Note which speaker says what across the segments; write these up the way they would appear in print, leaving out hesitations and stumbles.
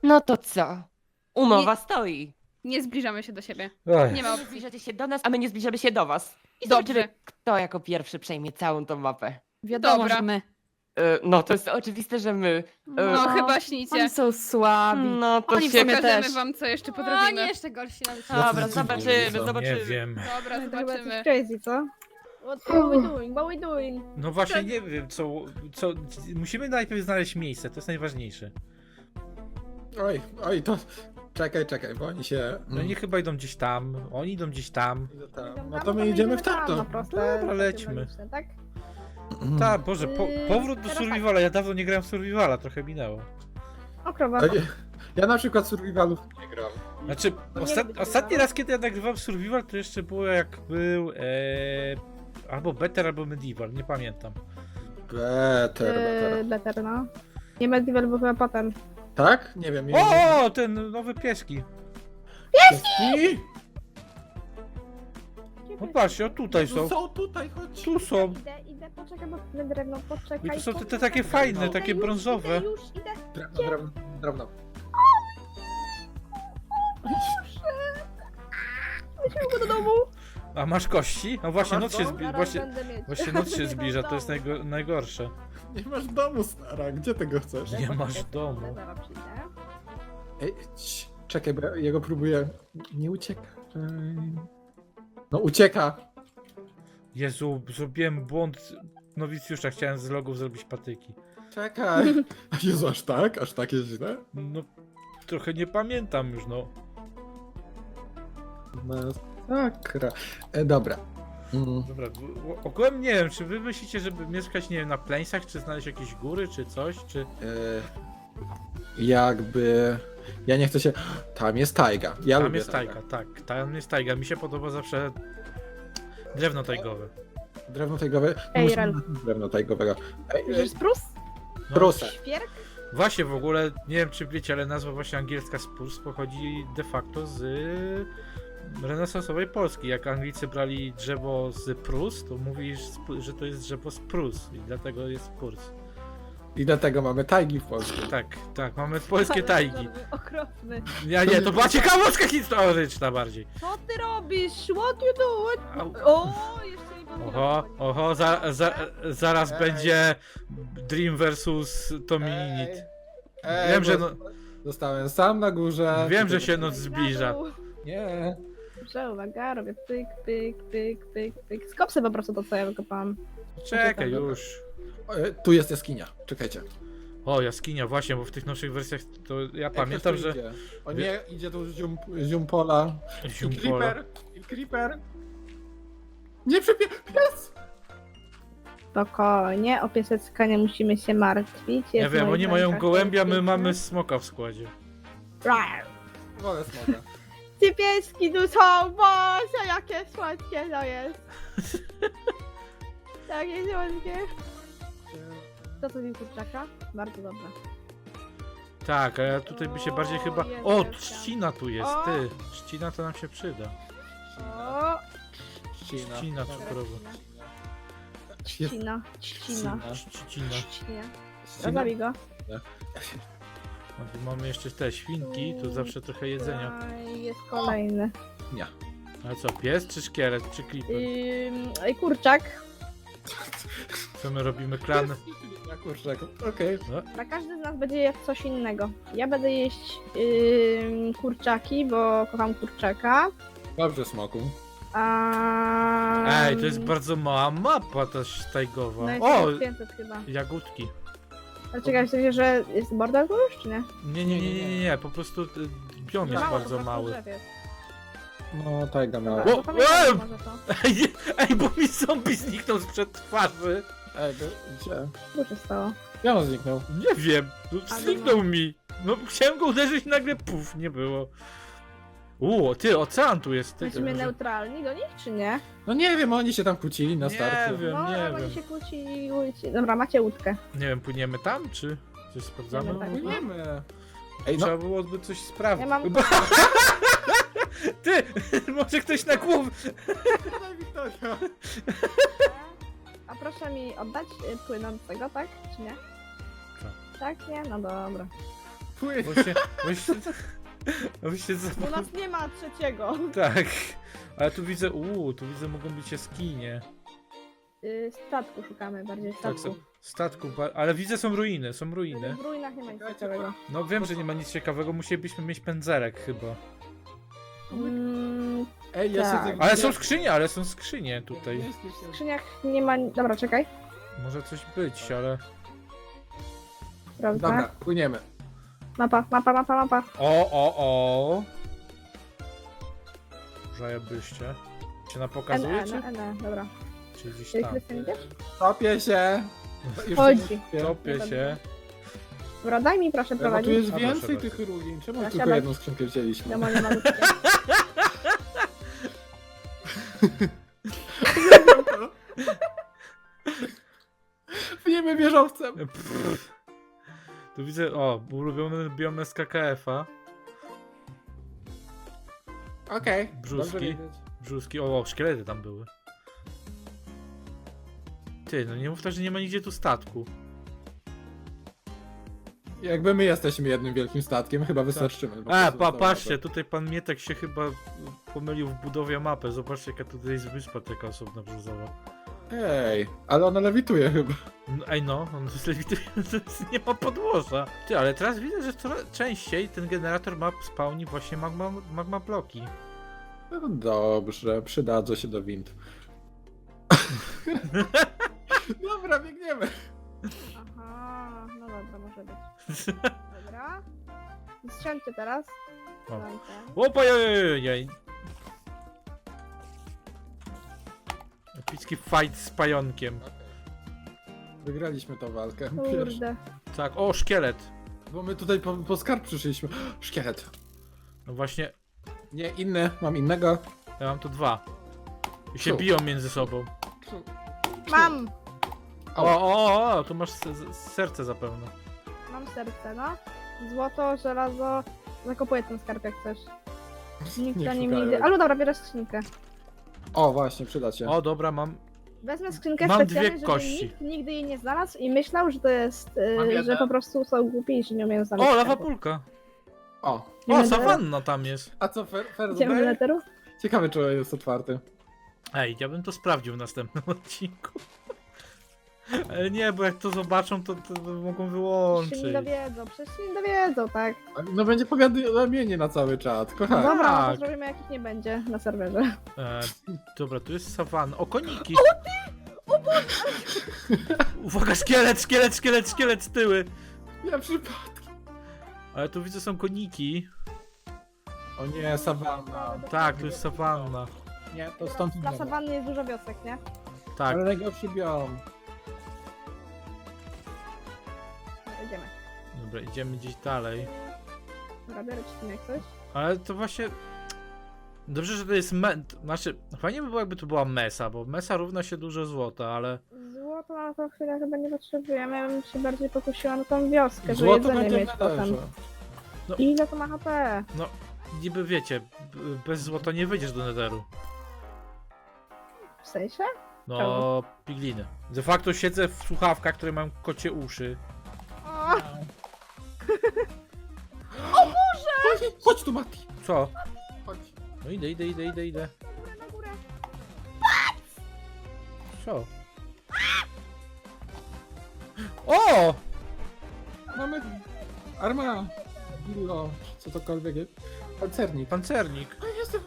Speaker 1: No to co? Umowa stoi.
Speaker 2: Nie zbliżamy się do siebie.
Speaker 3: Oj,
Speaker 2: Nie ma
Speaker 1: Nie
Speaker 2: opcji.
Speaker 1: zbliżacie się do nas, a my nie zbliżamy się do was. I
Speaker 2: Dobrze.
Speaker 1: zobaczymy, kto jako pierwszy przejmie całą tą mapę.
Speaker 4: Wiadomo,
Speaker 2: Dobra.
Speaker 4: że my.
Speaker 1: No to jest oczywiste, że my.
Speaker 2: No chyba śnicie.
Speaker 4: Oni są słabi.
Speaker 1: No to
Speaker 4: Oni w
Speaker 1: się...
Speaker 4: sumie
Speaker 2: Pokażemy
Speaker 4: też.
Speaker 2: wam, co jeszcze
Speaker 5: O,
Speaker 2: potrafimy.
Speaker 5: nie, jeszcze gorsi nam się.
Speaker 1: Dobra,
Speaker 3: Jacy
Speaker 1: zobaczymy,
Speaker 3: dziwni są.
Speaker 1: zobaczymy.
Speaker 3: Nie wiem.
Speaker 2: Dobra,
Speaker 5: To chyba coś
Speaker 2: zobaczymy.
Speaker 5: crazy, co? What we doing? What we doing?
Speaker 3: No właśnie nie wiem, co... Musimy najpierw znaleźć miejsce, to jest najważniejsze.
Speaker 6: Oj, to... Czekaj, bo oni się...
Speaker 3: No oni chyba idą gdzieś tam, oni idą gdzieś tam.
Speaker 6: No to my idziemy w tamto.
Speaker 5: No proste,
Speaker 3: Dobra, lećmy.
Speaker 5: logiczne, tak?
Speaker 3: Tak, Boże, powrót do
Speaker 5: teraz tak.
Speaker 3: Survivala, ja dawno nie grałem w Survivala, trochę minęło.
Speaker 5: O, krowa.
Speaker 6: Ja na przykład Survivalów nie gram.
Speaker 3: Znaczy,
Speaker 5: Nie lubię
Speaker 3: ostatni
Speaker 5: Survivala.
Speaker 3: raz, kiedy ja nagrywałem Survival, to jeszcze było jak był albo Better, albo Medieval, nie pamiętam.
Speaker 6: Better.
Speaker 5: Better, no. Nie Medieval, bo chyba potem.
Speaker 6: Tak? Nie wiem.
Speaker 3: O, ten nowy pieski.
Speaker 6: Pieski?
Speaker 3: No patrzcie, o tutaj są.
Speaker 6: Są tutaj, chodź.
Speaker 3: Tu są.
Speaker 5: Idę, poczekaj, bo na drewno, poczekaj.
Speaker 3: I to są te
Speaker 5: poczekaj.
Speaker 3: takie fajne,
Speaker 6: No.
Speaker 3: takie
Speaker 5: Idę,
Speaker 3: brązowe.
Speaker 5: Już, idę.
Speaker 6: Drewno.
Speaker 5: Weźmy go do domu.
Speaker 3: A masz kości? A właśnie
Speaker 6: A
Speaker 3: noc
Speaker 6: masz
Speaker 3: się
Speaker 6: dom?
Speaker 3: zbliża.
Speaker 5: Zaraz będę mieć.
Speaker 3: Właśnie noc się
Speaker 5: Nie
Speaker 3: zbliża,
Speaker 5: mam
Speaker 3: to jest
Speaker 5: domu.
Speaker 3: najgorsze.
Speaker 6: Nie masz domu, stara. Gdzie tego chcesz?
Speaker 3: Nie masz domu.
Speaker 5: Zaraz przyjdę.
Speaker 6: Ej, czekaj, bo ja jego próbuję... Nie ucieka. No ucieka.
Speaker 3: Jezu, zrobiłem błąd nowicjusza, chciałem z logów zrobić patyki.
Speaker 6: Czekaj. A Jezu, aż tak jest źle?
Speaker 3: No, trochę nie pamiętam już, no.
Speaker 6: Masakra. Dobra.
Speaker 3: Dobra, ogółem nie wiem, czy wy myślicie, żeby mieszkać, nie wiem, na Plańsach, czy znaleźć jakieś góry, czy coś, czy...
Speaker 6: Jakby... Ja nie chcę się... Tam jest tajga. Ja
Speaker 3: Tam
Speaker 6: lubię
Speaker 3: jest tajga, tak, tam jest tajga. Mi się podoba zawsze drewno tajgowe.
Speaker 6: Drewno tajgowe.
Speaker 5: Ej,
Speaker 6: Musimy
Speaker 5: Rel.
Speaker 6: na drewno tajgowego.
Speaker 5: Widzisz sprus?
Speaker 3: No,
Speaker 6: Proszę.
Speaker 5: Świerk?
Speaker 3: Właśnie w ogóle, nie wiem czy wiecie, ale nazwa właśnie angielska spruce pochodzi de facto z renesansowej Polski. Jak Anglicy brali drzewo z Prus, to mówisz, że to jest drzewo z Prus i dlatego jest spruce.
Speaker 6: I dlatego mamy tajgi w Polsce.
Speaker 3: Tak, mamy polskie tajgi.
Speaker 5: Okropny.
Speaker 3: Nie, to była ciekawostka historyczna bardziej.
Speaker 5: Co ty robisz? What you do?
Speaker 3: Au.
Speaker 5: O, jeszcze nie powiedziałam.
Speaker 3: Oho, zaraz
Speaker 6: Ej.
Speaker 3: będzie Dream versus Tominit. Wiem, że no-
Speaker 6: Zostałem sam na górze.
Speaker 3: Wiem, że się noc zbliża.
Speaker 6: Nie.
Speaker 5: Dobrze, uwaga, robię pyk, pyk, pyk, pyk, pyk. Skopsy po prostu to, co ja wykopałam.
Speaker 3: Czekaj już.
Speaker 6: Tu jest jaskinia. Czekajcie.
Speaker 3: O, jaskinia, właśnie, bo w tych nowszych wersjach to ja pamiętam,
Speaker 6: Jak
Speaker 3: że...
Speaker 6: ktoś tu idzie? O nie, idzie tu ziumpola. I
Speaker 3: Ziumpola.
Speaker 6: creeper. Nie pies!
Speaker 5: Spokojnie, o piesecka nie musimy się martwić.
Speaker 3: Ja
Speaker 5: jest
Speaker 3: wiem,
Speaker 5: w moich
Speaker 3: oni mają
Speaker 5: rękach
Speaker 3: gołębia, my
Speaker 5: piękne.
Speaker 3: mamy smoka w składzie.
Speaker 5: Rar.
Speaker 6: Wolę smoka.
Speaker 5: Ci pieski tu są, Boże, jakie słodkie to jest. Jakie słodkie. To co jest kurczaka? Bardzo dobre.
Speaker 3: Tak, a ja tutaj by się bardziej
Speaker 5: O,
Speaker 3: chyba...
Speaker 5: jest
Speaker 3: O,
Speaker 5: wielka.
Speaker 3: trzcina tu jest,
Speaker 5: O!
Speaker 3: ty. Trzcina to nam się przyda.
Speaker 5: O,
Speaker 3: Trzcina cukrowa.
Speaker 5: trzcina, trzcina,
Speaker 3: Trzcina.
Speaker 5: trzcina. Zabij go.
Speaker 3: A tu mamy jeszcze te świnki, to zawsze trochę jedzenia.
Speaker 5: Aj, jest kolejny.
Speaker 3: Ale co, pies czy szkielet, czy creeper?
Speaker 5: Kurczak.
Speaker 3: Co my robimy, klan?
Speaker 6: Na kurczaku. Okej.
Speaker 5: Dla każdy z nas będzie jeść coś innego. Ja będę jeść kurczaki, bo kocham kurczaka.
Speaker 6: Dobrze, smoku.
Speaker 3: Ej, to jest bardzo mała mapa ta tajgowa.
Speaker 5: No jest
Speaker 3: O,
Speaker 5: 500 chyba.
Speaker 3: jagódki.
Speaker 5: Ale czekaj, w że jest border już, czy nie?
Speaker 3: Nie, po prostu biom jest
Speaker 5: Mało, po
Speaker 3: bardzo
Speaker 5: prostu
Speaker 3: mały.
Speaker 5: drzew jest.
Speaker 6: No, tajga miała.
Speaker 5: Dobra,
Speaker 3: O,
Speaker 5: to pamiętam
Speaker 3: o!
Speaker 5: może to.
Speaker 3: Ej, bo mi zombie zniknął sprzed twarzy.
Speaker 6: Ej, gdzie?
Speaker 5: Co się stało?
Speaker 6: Ja on zniknął.
Speaker 3: Nie wiem, no,
Speaker 5: Ale
Speaker 3: zniknął
Speaker 5: no.
Speaker 3: mi. No chciałem go uderzyć i nagle puf, nie było. Ty, ocean tu jest. Ty,
Speaker 5: Jesteśmy
Speaker 3: może-
Speaker 5: neutralni do nich, czy nie?
Speaker 6: No nie wiem, oni się tam kłócili na
Speaker 3: Nie
Speaker 6: starcie.
Speaker 3: wiem.
Speaker 5: No,
Speaker 3: nie
Speaker 5: oni
Speaker 3: wiem.
Speaker 5: się kłócili. Dobra, macie łódkę.
Speaker 3: Nie wiem, płyniemy tam, czy coś sprawdzamy?
Speaker 5: Nie, tak.
Speaker 6: Płyniemy. Ej, no.
Speaker 3: Trzeba byłoby coś sprawdzić.
Speaker 5: Ja mam-
Speaker 3: Ty, może ktoś na głowę.
Speaker 6: Wiktoria.
Speaker 5: A proszę mi oddać płynącego, tak? Czy nie?
Speaker 3: Co?
Speaker 5: Tak, nie? No dobra.
Speaker 6: Płyń.
Speaker 3: Bo się
Speaker 5: Bo nas nie ma trzeciego.
Speaker 3: Tak. Ale tu widzę, mogą być jaskinie.
Speaker 5: Statku szukamy, bardziej
Speaker 3: Tak,
Speaker 5: statku.
Speaker 3: statku, ale widzę, są ruiny,
Speaker 5: W ruinach nie ma nic ciekawego.
Speaker 3: No wiem, że nie ma nic ciekawego, musielibyśmy mieć pędzelek chyba.
Speaker 6: Ej, ja
Speaker 5: Tak.
Speaker 6: siedzę...
Speaker 3: Ale są skrzynie tutaj.
Speaker 5: W skrzyniach nie ma... Dobra, czekaj.
Speaker 3: Może coś być, ale...
Speaker 5: Prawda?
Speaker 6: Dobra, płyniemy.
Speaker 5: Mapa.
Speaker 3: O! Zajebyście. Się na pokazuje, czy?
Speaker 5: Dobra.
Speaker 3: Czy gdzieś
Speaker 5: Ty,
Speaker 3: tam?
Speaker 5: Krystian, idziesz?
Speaker 6: Topię się. Już
Speaker 5: Chodzi.
Speaker 6: nie
Speaker 3: Topię się.
Speaker 5: Dobra, daj mi proszę
Speaker 6: Bo tu
Speaker 5: prowadzić.
Speaker 6: jest
Speaker 3: A, proszę
Speaker 6: więcej
Speaker 3: bardzo.
Speaker 6: tych ruin. Czemu
Speaker 5: Ja
Speaker 6: tylko
Speaker 5: siadam.
Speaker 6: jedną skrzynkę wzięliśmy?
Speaker 5: Wiadomo, nie ma ludzkie.
Speaker 6: Płyniemy wieżowcem.
Speaker 3: Pff. Tu widzę, ulubiony biom SKKF-a.
Speaker 6: Okej.
Speaker 3: Brzuski.
Speaker 6: dobrze wiedzieć.
Speaker 3: Brzuski, szkielety tam były. Ty, no nie mów tak, że nie ma nigdzie tu statku.
Speaker 6: Jakby my jesteśmy jednym wielkim statkiem, chyba wystarczymy. po prostu na
Speaker 3: Patrzcie,
Speaker 6: mapę.
Speaker 3: tutaj pan Mietek się chyba pomylił w budowie mapy. Zobaczcie, jaka tutaj jest wyspa taka osobna brzozowa.
Speaker 6: Ej, ale ona lewituje chyba.
Speaker 3: No, on jest lewitujący, nie ma podłoża. Ty, ale teraz widzę, że coraz częściej ten generator map spawni właśnie magma bloki.
Speaker 6: No dobrze, przydadzą się do wind. Dobra, biegniemy.
Speaker 5: Aha, no dobra, może być. Dobra. Strzelcie teraz.
Speaker 3: O.
Speaker 5: Dam ten.
Speaker 3: Opajajajaj! Epicki fight z pająkiem.
Speaker 6: Wygraliśmy tą walkę. Pierwszy.
Speaker 5: Kurde.
Speaker 3: Tak, szkielet.
Speaker 6: Bo my tutaj po skarb przyszliśmy. Szkielet.
Speaker 3: No właśnie,
Speaker 6: Nie, inny. Mam innego.
Speaker 3: ja mam tu 2. I się
Speaker 6: Tu.
Speaker 3: biją między sobą.
Speaker 5: Mam!
Speaker 3: Tu masz serce zapewne.
Speaker 5: Mam serce, no. Złoto, żelazo. Zakopuję ten skarb jak chcesz. Nikt
Speaker 6: Nie
Speaker 5: za nim
Speaker 6: szukaj.
Speaker 5: nigdy. Ale dobra, bierę skrzynkę.
Speaker 6: O, właśnie, przyda się.
Speaker 3: O, dobra, mam.
Speaker 5: Wezmę skrzynkę
Speaker 3: Mam
Speaker 5: specjalnie,
Speaker 3: dwie
Speaker 5: żeby
Speaker 3: kości.
Speaker 5: nikt nigdy jej nie znalazł i myślał, że to jest,
Speaker 6: Mam
Speaker 5: że
Speaker 6: jedną.
Speaker 5: po prostu są głupi i że nie umieją znaleźć
Speaker 3: O,
Speaker 5: skarbu.
Speaker 3: lawapulka.
Speaker 6: O.
Speaker 5: Nie
Speaker 3: O,
Speaker 5: będę-
Speaker 3: sawanna tam jest.
Speaker 6: A co,
Speaker 5: Idziemy do neteru?
Speaker 6: Ciekawe, czy jest otwarty.
Speaker 3: Ej, ja bym to sprawdził w następnym odcinku. Ale nie, bo jak to zobaczą, to mogą
Speaker 5: Przecież
Speaker 3: wyłączyć.
Speaker 5: się nie dowiedzą, tak.
Speaker 6: No będzie powiadomienie na cały czat,
Speaker 5: No
Speaker 6: kochani.
Speaker 5: dobra, no
Speaker 3: tak.
Speaker 5: to zrobimy jakich nie będzie na serwerze.
Speaker 3: Dobra, tu jest sawanna. O, koniki! Uwaga, szkielet z tyły!
Speaker 6: Ja przypadkiem.
Speaker 3: Ale tu widzę, są koniki.
Speaker 6: O nie, sawanna.
Speaker 3: Tak, tu jest sawanna.
Speaker 6: Nie, to stąd
Speaker 5: Dla
Speaker 6: nie.
Speaker 5: sawanny jest dużo wiosek, nie?
Speaker 3: Tak.
Speaker 6: Ale najgorszy biom.
Speaker 5: Idziemy.
Speaker 3: Dobra, idziemy gdzieś dalej.
Speaker 5: Dobra, biorę ci tym jak coś.
Speaker 3: Ale to właśnie... Dobrze, że to jest Znaczy, fajnie by było, jakby tu była mesa, bo mesa równa się dużo złota, ale...
Speaker 5: Złoto na tą chwilę chyba nie potrzebujemy, ja bym się bardziej pokusiła na tą wioskę, żeby
Speaker 6: Złoto
Speaker 5: jedzenie
Speaker 6: będzie
Speaker 5: mieć
Speaker 6: w
Speaker 5: potem.
Speaker 6: nederze.
Speaker 5: Ile to ma HP?
Speaker 3: Niby wiecie, bez złota nie wyjdziesz do netheru.
Speaker 5: W sensie?
Speaker 3: No, pigliny. De facto siedzę w słuchawkach, które mają kocie uszy.
Speaker 5: O,
Speaker 6: Chodź tu, Mati.
Speaker 3: Co?
Speaker 6: Chodź.
Speaker 3: No idę.
Speaker 5: na górę.
Speaker 3: Co? O!
Speaker 6: Mamy arma. Billo, co tokolwiek jest. Pancernik.
Speaker 3: Pancernik.
Speaker 6: A jestem.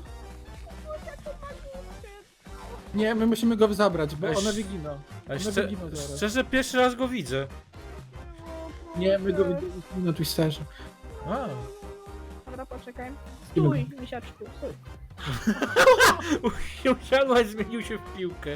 Speaker 6: Nie, my musimy go zabrać, bo
Speaker 3: Weź-
Speaker 6: one wyginą.
Speaker 3: Ale
Speaker 6: One wyginą zaraz.
Speaker 3: szczerze, pierwszy raz go widzę.
Speaker 6: Nie, my go widzimy na Twisterze.
Speaker 3: A.
Speaker 5: Dobra, poczekaj. Stój, misiaczku, stój.
Speaker 3: Usiadła i zmienił się w piłkę.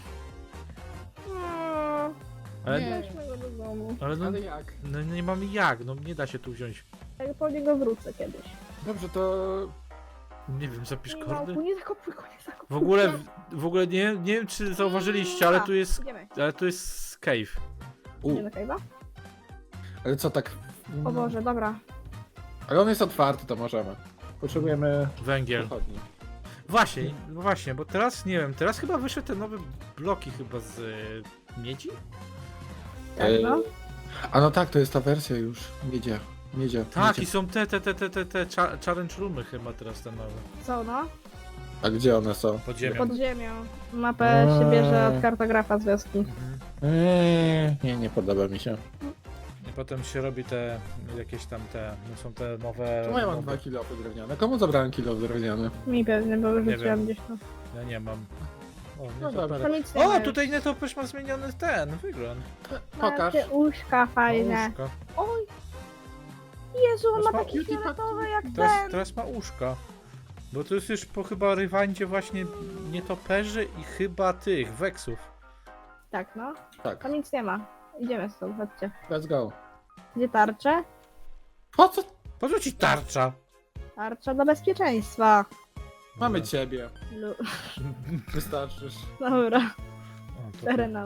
Speaker 3: Ale,
Speaker 6: Nie.
Speaker 5: Weźmy go do domu.
Speaker 3: ale no,
Speaker 6: Ale jak?
Speaker 3: no nie mamy jak, no nie da się tu wziąć.
Speaker 5: Ja po niego wrócę kiedyś.
Speaker 6: Dobrze, to...
Speaker 3: Nie wiem, zapisz
Speaker 5: Nie,
Speaker 3: kordy?
Speaker 5: małpu, nie zakopuj go, nie zakopuj.
Speaker 3: W ogóle nie wiem czy zauważyliście, ale tu jest,
Speaker 5: Idziemy.
Speaker 3: cave.
Speaker 5: Idziemy do cave'a?
Speaker 6: Ale co tak...
Speaker 5: O Boże, dobra.
Speaker 6: Ale on jest otwarty, to możemy. Potrzebujemy
Speaker 3: Węgiel.
Speaker 6: pochodni.
Speaker 3: Właśnie, bo teraz nie wiem, teraz chyba wyszły te nowe bloki chyba z miedzi?
Speaker 5: Tak, no.
Speaker 6: A no tak, to jest ta wersja już. Miedzie. Miedzie.
Speaker 3: Tak, i
Speaker 6: miedzie.
Speaker 3: są te challenge roomy chyba teraz te nowe.
Speaker 5: Co no?
Speaker 6: A gdzie one są?
Speaker 3: Pod ziemią.
Speaker 5: Pod ziemią. Mapę się bierze od kartografa z wioski.
Speaker 3: Mhm.
Speaker 6: Nie podoba mi się.
Speaker 3: I potem się robi te jakieś tam te, no są te nowe...
Speaker 6: Czemu ja mam
Speaker 3: nowe-
Speaker 6: 2 kilo drewniane? Komu zabrałem kilo drewniane?
Speaker 5: Mi pewnie, bo
Speaker 3: wiem.
Speaker 5: wyrzuciłam gdzieś to.
Speaker 3: Ja nie mam. O,
Speaker 6: No
Speaker 3: nie
Speaker 6: dobra.
Speaker 3: to
Speaker 5: To nic nie ma
Speaker 3: O,
Speaker 5: już.
Speaker 3: tutaj Netoperz ma zmieniony ten wygląd.
Speaker 6: Pokaż.
Speaker 5: Macie uszka fajne.
Speaker 3: Uszka.
Speaker 5: Oj! Jezu, on ma
Speaker 3: Teraz ma
Speaker 5: taki
Speaker 6: cutie
Speaker 5: fioletowy jak
Speaker 3: Teraz,
Speaker 5: ten.
Speaker 3: teraz ma uszka. Bo to jest już po chyba rywandzie właśnie nietoperzy i chyba tych, weksów.
Speaker 5: Tak, no.
Speaker 6: Tak,
Speaker 5: To nic nie ma. Idziemy stąd, chodźcie.
Speaker 6: let's go.
Speaker 5: Gdzie tarcze?
Speaker 6: Po co?
Speaker 3: Po co ci tarcza?
Speaker 5: Tarcza do bezpieczeństwa.
Speaker 6: Mamy ciebie.
Speaker 5: Lu-
Speaker 6: Wystarczysz.
Speaker 5: Dobra,
Speaker 3: O, to-
Speaker 5: fair enough.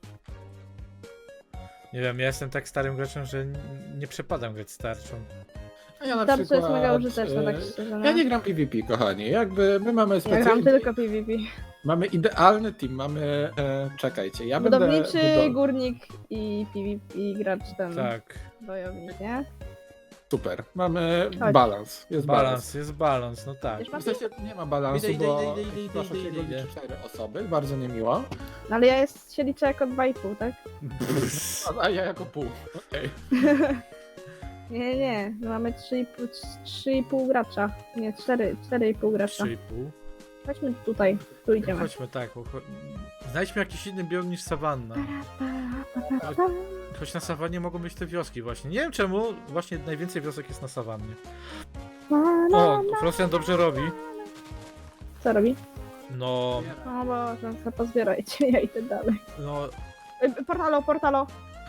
Speaker 3: Nie wiem, ja jestem tak starym graczem, że nie przepadam grać z tarczą.
Speaker 6: A ja na
Speaker 5: Tarcza
Speaker 6: przykład...
Speaker 5: jest mega użyteczna, tak
Speaker 6: e,
Speaker 5: szczerze. No.
Speaker 6: Ja nie gram PvP, kochani. Jakby my mamy
Speaker 5: Ja gram
Speaker 6: specjalny...
Speaker 5: tylko PvP.
Speaker 6: Mamy idealny team, mamy... czekajcie, ja będę...
Speaker 5: Budowniczy, górnik i PvP gracz ten
Speaker 3: Tak.
Speaker 5: wojownik, nie?
Speaker 6: Super. Mamy
Speaker 5: Chodź.
Speaker 6: balans. Jest balans.
Speaker 3: Balans, jest balans, no tak.
Speaker 5: Wiesz,
Speaker 6: W
Speaker 5: Mati?
Speaker 6: sensie nie ma balansu,
Speaker 3: Idę,
Speaker 6: bo
Speaker 3: idę,
Speaker 6: proszę się
Speaker 3: idę.
Speaker 6: liczy 4 osoby, bardzo niemiło.
Speaker 5: No ale ja się liczę jako 2,5, tak?
Speaker 6: A ja jako pół. Okej.
Speaker 5: Nie, nie, my mamy 3,5 gracza. Nie, 4,5 gracza.
Speaker 3: 3,5.
Speaker 5: Chodźmy tutaj, tu idziemy.
Speaker 3: Chodźmy tak, znajdźmy jakiś inny biom niż sawanna. Choć na sawannie mogą być te wioski właśnie. Nie wiem czemu, właśnie najwięcej wiosek jest na sawannie. O, Frosjan dobrze robi.
Speaker 5: Co robi?
Speaker 3: No,
Speaker 5: O Boże, to pozbierajcie, ja idę dalej.
Speaker 3: no...
Speaker 5: Portalo, portalo!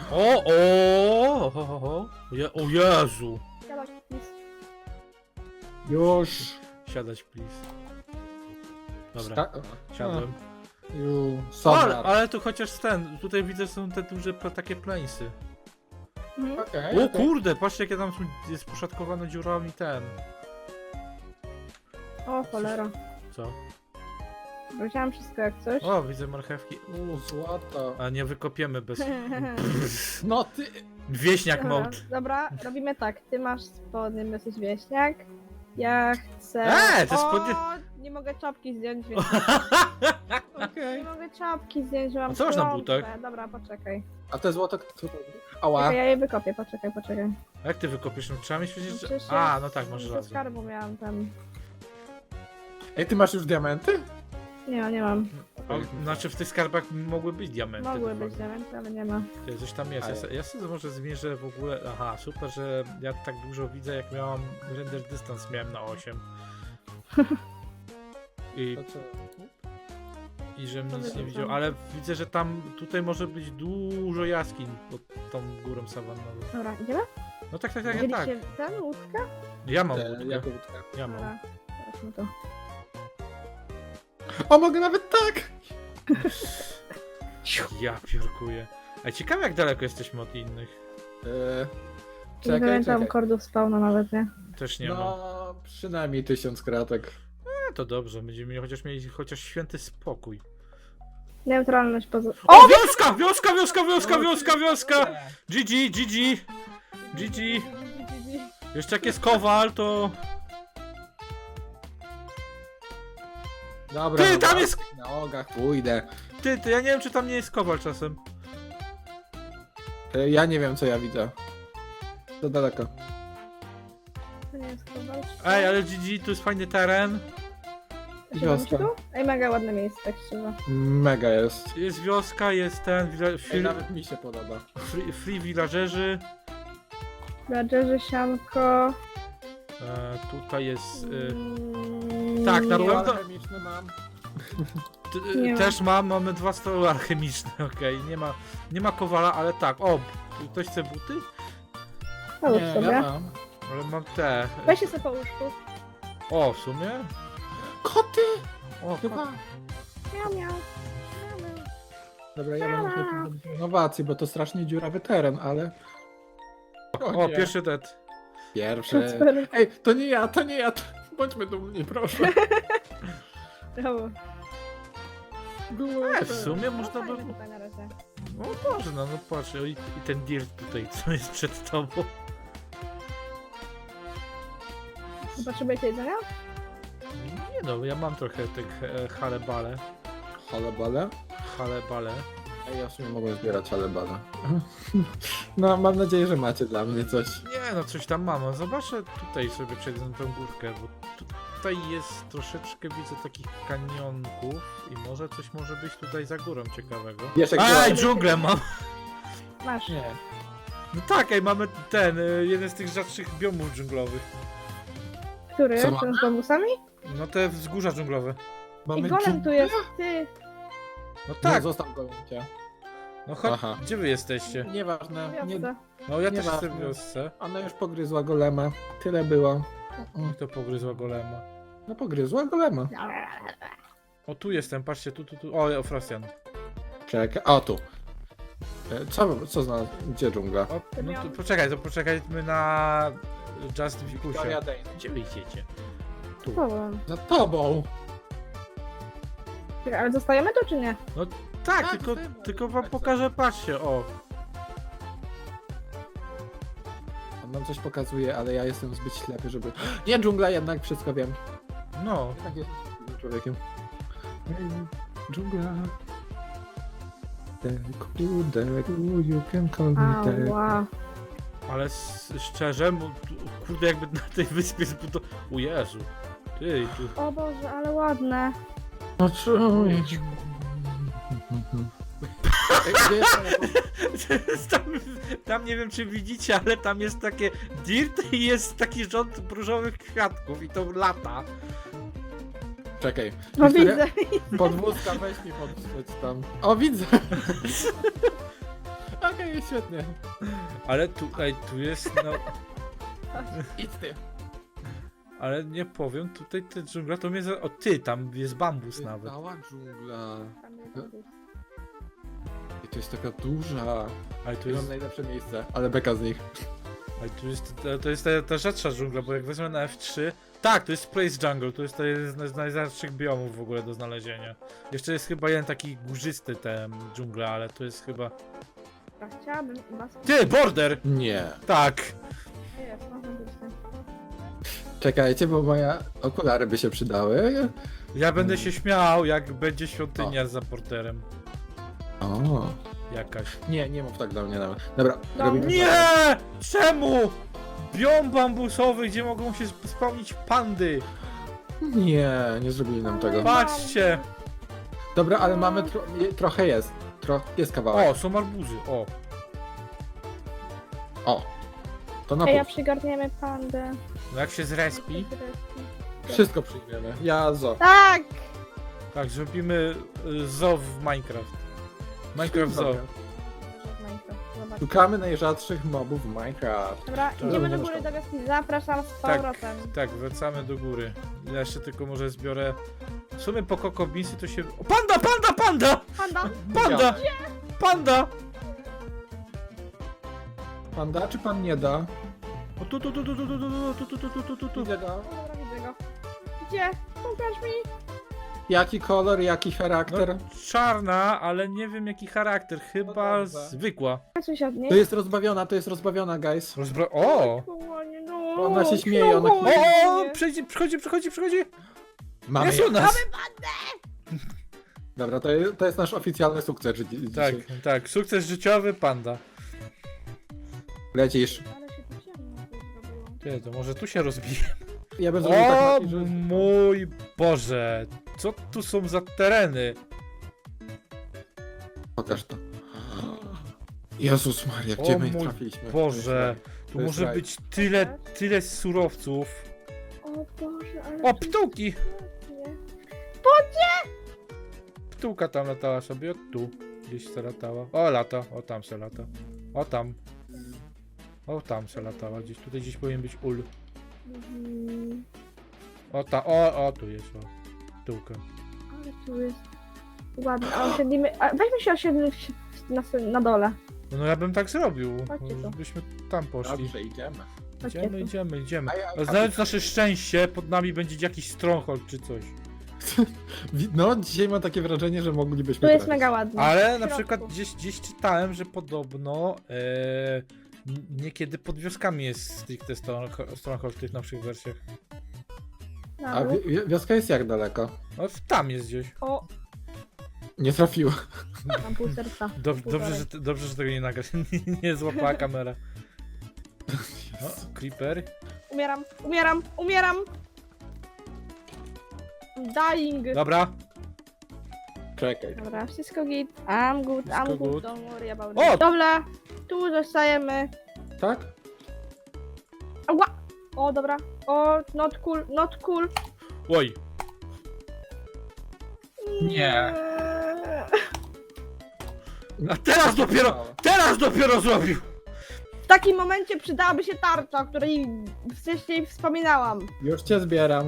Speaker 3: O Jezu!
Speaker 5: Siadaj, please.
Speaker 6: Już.
Speaker 3: Siadać, please. Dobra,
Speaker 6: Sta-
Speaker 3: siadłem.
Speaker 6: Już.
Speaker 3: Ale tu chociaż tutaj widzę są te duże takie plańsy.
Speaker 5: Mhm.
Speaker 6: Okej.
Speaker 3: O kurde, patrzcie jakie tam jest poszatkowane dziurami ten.
Speaker 5: O cholera.
Speaker 3: Co?
Speaker 5: Wziąłem wszystko jak coś.
Speaker 3: O, widzę marchewki.
Speaker 6: Złoto.
Speaker 3: A nie wykopiemy bez...
Speaker 6: No ty.
Speaker 3: Wieśniak
Speaker 5: Dobra,
Speaker 3: mode.
Speaker 5: dobra, robimy tak. Ty masz spodnie, jesteś wieśniak. Ja chcę...
Speaker 3: Te spodnie-
Speaker 5: O, nie mogę czapki zdjąć, więc... Nie
Speaker 6: Okej.
Speaker 5: mogę czapki zdjąć, że mam
Speaker 3: A co masz na
Speaker 5: trąbkę.
Speaker 3: butach?
Speaker 5: Dobra, poczekaj.
Speaker 6: A te złoto kto robi? Ała.
Speaker 5: Czekaj, ja je wykopię, poczekaj.
Speaker 3: Jak ty wykopiesz? No, trzeba mieć przecież...
Speaker 5: Przecież
Speaker 3: A,
Speaker 5: ja
Speaker 3: no tak, masz
Speaker 5: Ze
Speaker 3: rację.
Speaker 5: skarbu miałam tam.
Speaker 6: Ej, ty masz już diamenty?
Speaker 5: Nie mam.
Speaker 3: Znaczy w tych skarbach mogły być diamenty.
Speaker 5: Mogły
Speaker 3: de
Speaker 5: być
Speaker 3: facto.
Speaker 5: diamenty, ale nie ma.
Speaker 3: Ty, coś tam jest. Ja sobie może zmierzę w ogóle... Aha, super, że ja tak dużo widzę, jak miałam render dystans, miałem na 8. I,
Speaker 6: To co?
Speaker 3: i żebym
Speaker 5: To
Speaker 3: nic nie
Speaker 5: wyrzucam.
Speaker 3: widział, ale widzę, że tam, tutaj może być dużo jaskiń pod tą górą sawannową.
Speaker 5: Dobra, idziemy?
Speaker 3: No tak.
Speaker 5: Widzieliście ten łódkę?
Speaker 3: Ja mam
Speaker 6: Jako
Speaker 3: łódkę.
Speaker 6: łódka.
Speaker 3: Ja mam.
Speaker 5: Dobra, zobaczmy to.
Speaker 6: O, mogę nawet tak!
Speaker 3: Ja piórkuję. A ciekawe jak daleko jesteśmy od innych.
Speaker 5: Nie
Speaker 6: Czekaj,
Speaker 5: pamiętam
Speaker 6: czekaj.
Speaker 5: kordów spawna nawet, nie?
Speaker 3: Też nie mam.
Speaker 6: No, przynajmniej 1000 kratek.
Speaker 3: No to dobrze, będziemy mieli chociaż święty spokój.
Speaker 5: Neutralność poza...
Speaker 3: O, wioska! GG! Jeszcze jak jest kowal, to...
Speaker 6: Dobra.
Speaker 3: Ty,
Speaker 6: no,
Speaker 3: tam jest-
Speaker 6: Na nogach pójdę.
Speaker 3: Ty, ja nie wiem czy tam nie jest kowal czasem.
Speaker 6: Ja nie wiem, co ja widzę. To daleko.
Speaker 5: To nie jest kowal.
Speaker 3: Ej, ale GG, tu jest fajny teren.
Speaker 6: Wioska.
Speaker 5: Ej, mega ładne miejsce, tak szczerze.
Speaker 6: Mega jest.
Speaker 3: Jest wioska, jest ten...
Speaker 6: Ej, nawet mi się podoba.
Speaker 3: Free villagerzy.
Speaker 5: Badgerzy, sianko...
Speaker 3: Tutaj jest...
Speaker 5: tak,
Speaker 3: na
Speaker 5: nie.
Speaker 3: pewno-
Speaker 6: Chemiczny mam.
Speaker 5: Nie ma.
Speaker 3: Też mamy 2 stoły alchemiczne, okej. Nie ma kowala, ale tak. O, ktoś chce buty?
Speaker 5: Połóż
Speaker 6: Nie,
Speaker 5: sobie.
Speaker 6: ja mam.
Speaker 3: Ale mam te.
Speaker 5: Weź się sobie po łóżku.
Speaker 3: O, w sumie?
Speaker 6: Koty!
Speaker 3: O,
Speaker 6: Chyba.
Speaker 5: Miau, miau. Miau, miau.
Speaker 6: Dobra, ja mam jakąś innowację, bo to strasznie dziurawy teren, ale...
Speaker 3: o
Speaker 6: nie.
Speaker 3: pierwszy dead.
Speaker 6: Pierwszy.
Speaker 5: Kacper.
Speaker 6: Ej, to nie ja. Bądźmy dumni, proszę.
Speaker 5: Brawo.
Speaker 6: Było
Speaker 3: W sumie można by...
Speaker 5: Fajne tutaj na razie.
Speaker 3: No można, no patrz. I ten dirt tutaj, co jest przed tobą.
Speaker 5: Potrzebujecie jedzenia?
Speaker 3: Nie no, ja mam trochę tych halebale.
Speaker 6: Halebale?
Speaker 3: Halebale.
Speaker 6: A ja w sumie mogłem zbierać halebale. No, mam nadzieję, że macie dla mnie coś.
Speaker 3: Nie no, coś tam mam. Zobaczę tutaj sobie przejdę na tą górkę, bo tutaj jest troszeczkę, widzę takich kanionków i może coś może być tutaj za górą ciekawego.
Speaker 6: Wiesz, jak
Speaker 3: Aj,
Speaker 6: była-
Speaker 3: dżunglę mam!
Speaker 5: Masz.
Speaker 6: Nie.
Speaker 3: No tak, ej, mamy ten, jeden z tych rzadszych biomów dżunglowych.
Speaker 5: Który?
Speaker 6: Co ma?
Speaker 5: Ten z bambusami?
Speaker 3: No te wzgórza dżunglowe.
Speaker 5: I
Speaker 6: Mamy
Speaker 5: golem tu jest, ty.
Speaker 3: No
Speaker 6: Tak.
Speaker 3: tak,
Speaker 6: Nie, zostaw gołęcia.
Speaker 3: no chodź,
Speaker 6: Aha.
Speaker 3: gdzie wy jesteście?
Speaker 6: Nieważne. Nie,
Speaker 5: Wiosce.
Speaker 3: No ja też
Speaker 6: Nieważne.
Speaker 3: jestem w wiosce.
Speaker 6: ona już pogryzła golema. Tyle było.
Speaker 3: I to pogryzła golema.
Speaker 6: No pogryzła golema.
Speaker 3: O, tu jestem, patrzcie, tu. O, Frosjan.
Speaker 6: Czekaj. O, tu. Co znalazł? Gdzie dżungla?
Speaker 3: O, no to poczekajmy na Just Wikusie.
Speaker 6: Dane.
Speaker 3: Gdzie wy idziecie?
Speaker 5: Powiem.
Speaker 6: Za tobą!
Speaker 5: Czekaj, ale zostajemy tu czy nie?
Speaker 3: Tak,
Speaker 6: Tak,
Speaker 3: tylko,
Speaker 6: tutaj
Speaker 3: tylko
Speaker 6: tak
Speaker 3: wam
Speaker 6: samo.
Speaker 3: pokażę, patrzcie, o.
Speaker 6: On nam coś pokazuje, ale ja jestem zbyt ślepy, żeby... Nie, dżungla jednak, wszystko wiem.
Speaker 3: No,
Speaker 6: Tak jest człowiekiem. Dżungla. Deku, you can call me Deku.
Speaker 5: Ała.
Speaker 3: ale szczerze, kurde, jakby na tej wyspie zbudował... O Jezu. Ty, tu...
Speaker 5: O Boże, ale ładne.
Speaker 6: No czuję. Gdzie jest
Speaker 3: tam nie wiem czy widzicie, ale tam jest takie dirt i jest taki rząd różowych kwiatków i to lata.
Speaker 6: Czekaj.
Speaker 5: No
Speaker 6: Wiktoria,
Speaker 5: widzę.
Speaker 6: podwózka, weź mi podwózć tam. O, widzę. Okej, świetnie.
Speaker 3: Ale tu jest, no...
Speaker 6: Idź ty.
Speaker 3: Ale nie powiem, tutaj te dżungla to mnie za... O ty, tam jest bambus nawet.
Speaker 6: Cała dżungla. I to jest taka duża.
Speaker 3: Ale tu
Speaker 6: To jest
Speaker 3: jest,
Speaker 6: najlepsze miejsce, ale beka z nich.
Speaker 3: ale tu jest, to jest ta rzadsza dżungla, bo jak wezmę na F3... Tak, to jest Praise Jungle, to jest jeden z najrzadszych biomów w ogóle do znalezienia. Jeszcze jest chyba jeden taki górzysty ten dżungla, ale to jest chyba...
Speaker 5: Chciałabym was...
Speaker 3: Ty, border!
Speaker 6: Nie.
Speaker 3: Tak!
Speaker 5: Jest, można być ten.
Speaker 6: Czekajcie, bo moje okulary by się przydały.
Speaker 3: Ja będę się śmiał, jak będzie świątynia za porterem.
Speaker 6: O.
Speaker 3: Jakaś.
Speaker 6: Nie mów tak do mnie nawet. Dobra,
Speaker 5: No
Speaker 6: robimy
Speaker 3: Nie!
Speaker 6: tak.
Speaker 3: Czemu? Biom bambusowy, gdzie mogą się spełnić pandy.
Speaker 6: Nie zrobili nam tego.
Speaker 3: Patrzcie!
Speaker 6: Dobra, ale mamy trochę jest. Jest kawałek.
Speaker 3: O, są arbuzy, o.
Speaker 6: O. To na
Speaker 5: Ej, ja
Speaker 6: pół.
Speaker 5: przygarniemy pandę.
Speaker 3: No jak się zrespi,
Speaker 6: Wszystko przyjmiemy. Ja zo.
Speaker 5: Tak!
Speaker 3: tak, zrobimy zoo w Minecraft. Minecraft zoo.
Speaker 5: Zobacz.
Speaker 6: Szukamy najrzadszych mobów w Minecraft.
Speaker 5: Dobra,
Speaker 3: Tak.
Speaker 5: idziemy do góry do wioski. Zapraszam z
Speaker 3: Tak.
Speaker 5: powrotem.
Speaker 3: Tak, wracamy do góry. Ja jeszcze tylko może zbiorę... W sumie po Coco Beansy to się... O, panda!
Speaker 5: Panda!
Speaker 3: Panda! Panda!
Speaker 6: Pan da czy pan nie da?
Speaker 3: O, tu.
Speaker 6: Idę da.
Speaker 5: O, dobra, widzę go. Gdzie? Pokaż mi.
Speaker 6: Jaki kolor, jaki charakter?
Speaker 3: No, czarna, ale nie wiem jaki charakter. Chyba
Speaker 6: dobrze.
Speaker 3: zwykła.
Speaker 5: Coś od niej.
Speaker 6: To jest rozbawiona, guys.
Speaker 3: O!
Speaker 5: Kochanie, no.
Speaker 6: Ona się śmieje, ona-
Speaker 3: O! Przychodzi!
Speaker 6: Mamy
Speaker 3: Jest u nas!
Speaker 6: Dobra, to jest nasz oficjalny sukces
Speaker 3: Tak,
Speaker 6: dzisiaj.
Speaker 3: tak. Sukces życiowy panda.
Speaker 6: Lecisz.
Speaker 5: Ale się tu ciemno zrobiło.
Speaker 3: Ty, to może tu się rozbije.
Speaker 6: Ja bym zrobił tak
Speaker 3: O
Speaker 6: lepiej, że...
Speaker 3: mój Boże! Co tu są za tereny?
Speaker 6: Pokaż to. Jezus Maria, gdzie
Speaker 3: O
Speaker 6: my
Speaker 3: mój
Speaker 6: trafiliśmy?
Speaker 3: Boże! Tu
Speaker 6: To jest
Speaker 3: może
Speaker 6: raj.
Speaker 3: być tyle surowców.
Speaker 5: O Boże, ale...
Speaker 3: O, ptułki!
Speaker 5: pięknie.
Speaker 3: Ptułka tam latała sobie, o tu. Gdzieś se latała. O, lata. O, tam se lata. O, tam. O, tam se latała. Tutaj gdzieś powinien być ul.
Speaker 5: Mhm.
Speaker 3: O, tu jest, o. Ptułka.
Speaker 5: Ale tu jest... Ładnie, a osiedlimy... A weźmy się osiedlić na dole.
Speaker 3: No ja bym tak zrobił.
Speaker 5: Chodźcie tu.
Speaker 3: Żebyśmy tam poszli.
Speaker 6: Dobrze, idziemy.
Speaker 5: Chodźcie tu.
Speaker 3: Idziemy.
Speaker 6: A ja-
Speaker 3: A znając nasze szczęście, pod nami będzie jakiś stronghold czy coś.
Speaker 6: No, dzisiaj mam takie wrażenie, że moglibyśmy
Speaker 5: Tu jest
Speaker 6: trafić.
Speaker 5: mega ładnie.
Speaker 3: Ale
Speaker 5: W
Speaker 3: na
Speaker 5: środku.
Speaker 3: przykład gdzieś czytałem, że podobno niekiedy pod wioskami jest stricte stronghold w tych nowszych wersjach.
Speaker 6: A wioska jest jak daleko?
Speaker 3: No tam jest gdzieś.
Speaker 5: O,
Speaker 6: Nie trafiła.
Speaker 5: mam pół serca.
Speaker 3: Dobrze, że tego nie nagrasz. Nie złapała kamera. O, creeper.
Speaker 5: Umieram! Dying!
Speaker 3: Dobra.
Speaker 6: Czekaj.
Speaker 5: Dobra, wszystko git. I'm good,
Speaker 3: Wszystko
Speaker 5: I'm good.
Speaker 3: good.
Speaker 5: Don't worry about
Speaker 3: O!
Speaker 5: it. Dobra, tu zostajemy.
Speaker 6: Tak?
Speaker 5: Ała! O, dobra. O, not cool.
Speaker 3: Oj. Nie. A teraz dopiero zrobił!
Speaker 5: W takim momencie przydałaby się tarcza, o której wcześniej wspominałam.
Speaker 6: Już cię zbieram.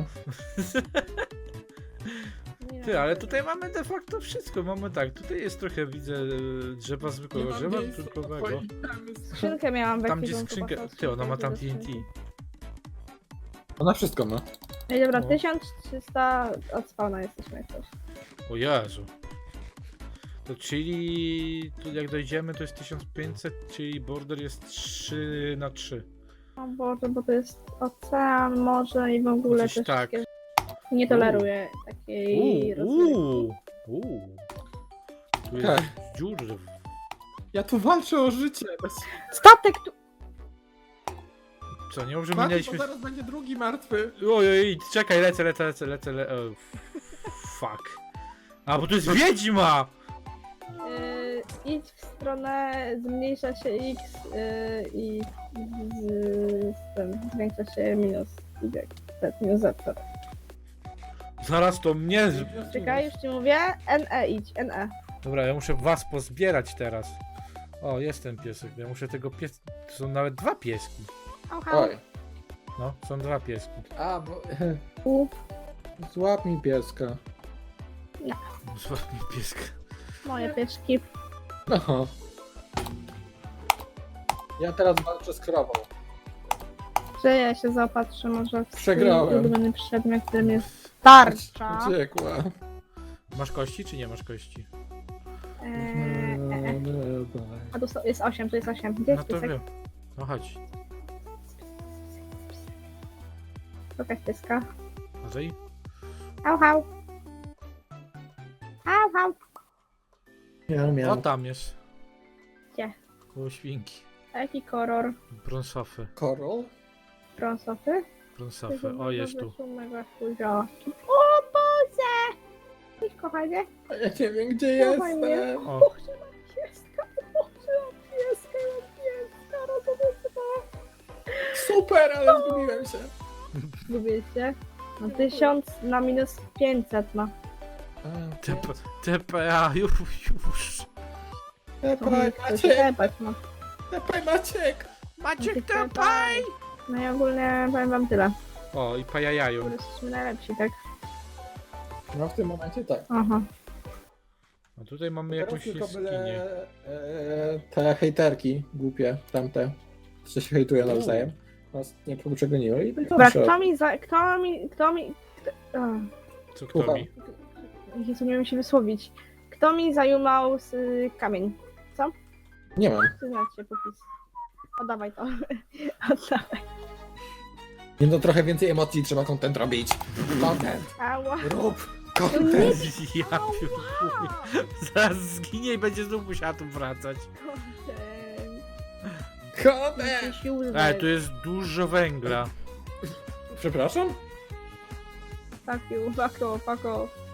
Speaker 3: Ty, ale tutaj mamy de facto wszystko. Mamy tak, tutaj jest trochę, widzę, drzewa zwykłego, drzewa trutkowego.
Speaker 5: Skrzynkę miałam we
Speaker 3: Tam gdzie
Speaker 5: ekwipunku,
Speaker 3: skrzynkę,
Speaker 5: po prostu.
Speaker 3: ty, ona ma tam
Speaker 5: Do
Speaker 3: TNT.
Speaker 5: skrzynki.
Speaker 6: Ona wszystko ma.
Speaker 5: Ej, dobra,
Speaker 3: No.
Speaker 5: 1300 od spawna jesteśmy jak coś.
Speaker 3: O Jezu. To czyli, tu jak dojdziemy to jest 1500, czyli border jest 3 na 3.
Speaker 5: O Boże, bo to jest ocean, morze i w ogóle
Speaker 3: Gdzieś
Speaker 5: też
Speaker 3: tak.
Speaker 5: wszystkie... Nie toleruję takiej rozrywki.
Speaker 3: Tu jest
Speaker 6: Tak.
Speaker 3: dziur.
Speaker 6: Ja tu walczę o życie.
Speaker 5: Statek tu...
Speaker 3: Co, nie może
Speaker 6: Patrz,
Speaker 3: minęliśmy...
Speaker 6: bo zaraz będzie drugi martwy.
Speaker 3: Ojej, czekaj, lecę. Fuck. A, bo to jest wiedźma!
Speaker 5: Idź w stronę, zmniejsza się x i z tym zwiększa się minus y, minus z.
Speaker 3: Zaraz to mnie...
Speaker 5: Czekaj, już ci mówię. NE idź, NE.
Speaker 3: Dobra, ja muszę was pozbierać teraz. O, jest ten piesek. Ja muszę tego pies... To są nawet dwa pieski.
Speaker 6: Oj.
Speaker 3: No, są dwa pieski.
Speaker 6: A, bo...
Speaker 5: U,
Speaker 6: Złap mi pieska.
Speaker 3: Złap mi pieska.
Speaker 5: moje pieszki.
Speaker 6: No. Ja teraz walczę z krową.
Speaker 5: Że ja się zaopatrzę może w swój
Speaker 6: Przegrałem.
Speaker 5: ulubiony przedmiot, którym jest tarcza.
Speaker 6: Uciekła.
Speaker 3: Masz kości, czy nie masz kości?
Speaker 5: A tu jest 8, tu jest 8. Gdzie
Speaker 3: No
Speaker 5: jest
Speaker 3: to
Speaker 5: piesek?
Speaker 3: wiem. No chodź.
Speaker 5: Pokaż pieska.
Speaker 3: Może
Speaker 5: Hał, hał. Hał, hał.
Speaker 6: Miał,
Speaker 3: O,
Speaker 6: miał.
Speaker 3: tam jest.
Speaker 5: Gdzie?
Speaker 3: Koło świnki.
Speaker 5: A jaki kolor?
Speaker 3: Brąsofy.
Speaker 6: Korol?
Speaker 5: Brązowy?
Speaker 3: Brąsofy. O, jest tu.
Speaker 5: O Boże! Cześć kochanie.
Speaker 6: A ja nie wiem gdzie
Speaker 5: Dawaj mnie.
Speaker 6: jestem.
Speaker 3: O,
Speaker 5: Boże, mam pieska. Boże, mam pieska. Rozumiecie?
Speaker 6: Super, ale zgubiłem się.
Speaker 5: Lubię się. No 1000 na minus 500 ma.
Speaker 3: TPA, już.
Speaker 6: Tepaj,
Speaker 5: To
Speaker 6: Maciek!
Speaker 5: tepać ma.
Speaker 6: Tepaj, Maciek!
Speaker 3: Maciek,
Speaker 5: tepaj! No i ogólnie powiem wam tyle.
Speaker 3: O, i pajajają.
Speaker 5: Jesteśmy najlepsi, tak?
Speaker 6: No w tym momencie tak.
Speaker 5: Aha.
Speaker 3: A tutaj mamy
Speaker 6: Teraz
Speaker 3: jakąś
Speaker 6: tylko
Speaker 3: jaskinię.
Speaker 6: byle te hejterki głupie, tamte, co się hejtują nawzajem, nas nie przegoniły i będzie
Speaker 5: Dobra,
Speaker 6: dobrze.
Speaker 5: kto mi...
Speaker 3: Co kto
Speaker 6: Słucham.
Speaker 3: mi?
Speaker 5: Jezu, nie wiem się wysłowić. Kto mi zajumał z kamień?
Speaker 6: Nie mam.
Speaker 5: Przyznać się, popis. Oddawaj to. Oddawaj.
Speaker 6: Nie no, trochę więcej emocji, trzeba content robić. Content,
Speaker 5: Ała.
Speaker 6: rób
Speaker 5: No
Speaker 6: content.
Speaker 3: Ja pierdolę. Zaraz zginie i będzie znów musiała tu wracać.
Speaker 6: Content!
Speaker 3: Ej, tu jest dużo węgla.
Speaker 6: Przepraszam?
Speaker 5: Fuck you.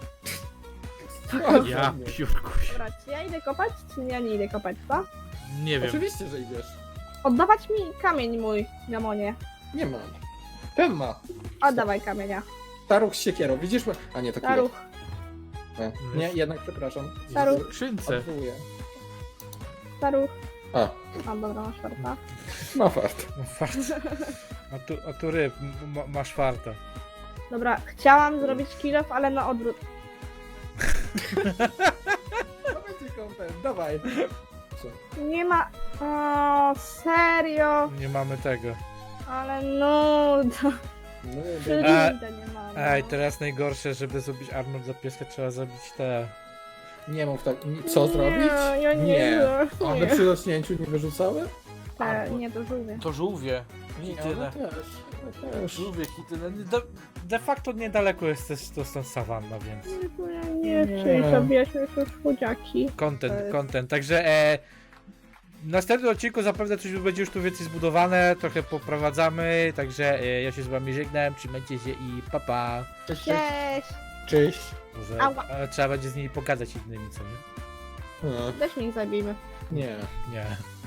Speaker 3: Ja piórkuś.
Speaker 5: Dobra, czy ja idę kopać, czy ja nie idę kopać, co?
Speaker 3: Nie wiem.
Speaker 6: Oczywiście, że idziesz.
Speaker 5: Oddawać mi kamień mój, Gamonie.
Speaker 6: Nie mam. Ten ma.
Speaker 5: Oddawaj kamienia.
Speaker 6: Staruch z siekierą, widzisz? A nie, to kilo.
Speaker 5: Staruch.
Speaker 6: Nie, jednak przepraszam.
Speaker 5: Staruch.
Speaker 3: W skrzynce.
Speaker 6: Odwołuję.
Speaker 5: Staruch.
Speaker 6: A,
Speaker 5: O, dobra, masz farta.
Speaker 6: ma fart.
Speaker 3: No, fart. A tu ryb, masz farta.
Speaker 5: Dobra, chciałam zrobić kill off, ale na odwrót.
Speaker 6: To będzie content, dawaj. Co?
Speaker 5: Nie ma... O, serio?
Speaker 3: Nie mamy tego.
Speaker 5: Ale nuda.
Speaker 6: No,
Speaker 5: Flinta nie ma.
Speaker 3: Ej, teraz najgorsze, żeby zrobić armor dla pieska, trzeba zabić te...
Speaker 6: nie mów tak. Co zrobić?
Speaker 5: Ja nie.
Speaker 6: Nie.
Speaker 5: Nie,
Speaker 6: One przy rośnięciu nie wyrzucały?
Speaker 5: nie to żółwie.
Speaker 3: To żółwie.
Speaker 6: Nie, one też. Ja już...
Speaker 3: Lubię hity. De facto niedaleko jest też to stąd sawanna, więc...
Speaker 5: Bo ja nie
Speaker 6: Nie.
Speaker 5: chcę, zabijaliśmy już chudziaki.
Speaker 3: Content. Także w następnym odcinku zapewne coś będzie już tu więcej zbudowane, trochę poprowadzamy, także ja się z wami żegnam, trzymajcie się i pa pa.
Speaker 6: Cześć,
Speaker 5: Cześć!
Speaker 6: cześć.
Speaker 3: Może
Speaker 5: Ała.
Speaker 3: trzeba będzie z nimi pogadać innymi, co nie?
Speaker 6: A,
Speaker 5: Też mnie zabijmy.
Speaker 6: nie.
Speaker 3: Nie.